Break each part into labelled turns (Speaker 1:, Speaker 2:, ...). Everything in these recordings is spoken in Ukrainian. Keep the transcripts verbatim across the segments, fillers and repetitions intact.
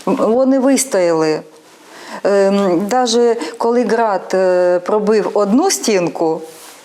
Speaker 1: Вони вистояли. Навіть коли град пробив одну стінку,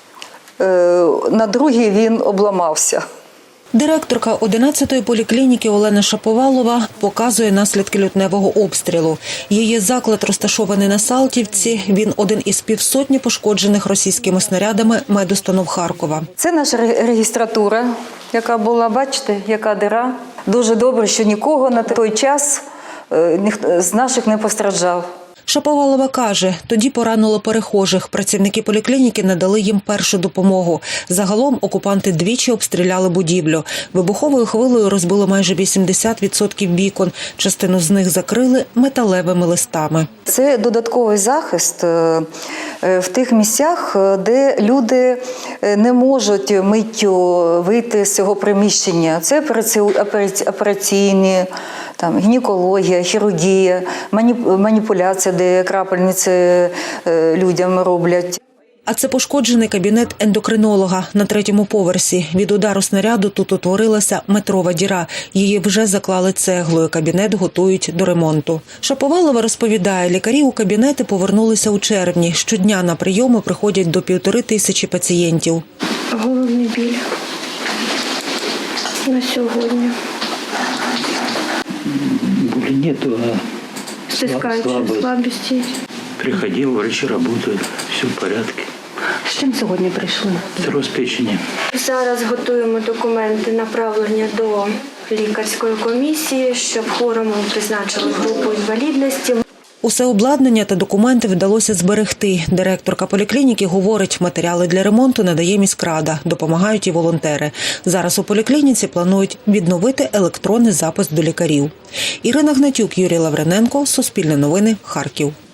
Speaker 1: на другій він обламався.
Speaker 2: Директорка одинадцятої поліклініки Олена Шаповалова показує наслідки лютневого обстрілу. Її заклад розташований на Салтівці. Він один із півсотні пошкоджених російськими снарядами медустанов Харкова.
Speaker 1: Це наша регістратура, яка була, бачите, яка дира. Дуже добре, що нікого на той час з наших не постраждав.
Speaker 2: Шаповалова каже, тоді поранило перехожих. Працівники поліклініки надали їм першу допомогу. Загалом окупанти двічі обстріляли будівлю. Вибуховою хвилею розбило майже вісімдесят відсотків вікон. Частину з них закрили металевими листами.
Speaker 1: Це додатковий захист в тих місцях, де люди не можуть миттю вийти з цього приміщення. Це операційні, там, гінекологія, хірургія, маніпуляція, де крапельниці людям роблять.
Speaker 2: А це пошкоджений кабінет ендокринолога на третьому поверсі. Від удару снаряду тут утворилася метрова діра. Її вже заклали цеглою. Кабінет готують до ремонту. Шаповалова розповідає, лікарі у кабінети повернулися у червні. Щодня на прийоми приходять до півтори тисячі пацієнтів.
Speaker 3: Головний біль на сьогодні.
Speaker 4: Боли нету, а
Speaker 3: Стискаючи, слабість.
Speaker 4: Приходил, врачи работают, все в порядке.
Speaker 5: З чим сьогодні прийшли?
Speaker 4: Цирроз печени.
Speaker 3: Зараз готуємо документи направлення до лікарської комісії, щоб хворому призначили групу інвалідності.
Speaker 2: Усе обладнання та документи вдалося зберегти. Директорка поліклініки говорить, матеріали для ремонту надає міськрада, допомагають і волонтери. Зараз у поліклініці планують відновити електронний запис до лікарів. Ірина Гнатюк, Юрій Лавриненко, Суспільне новини, Харків.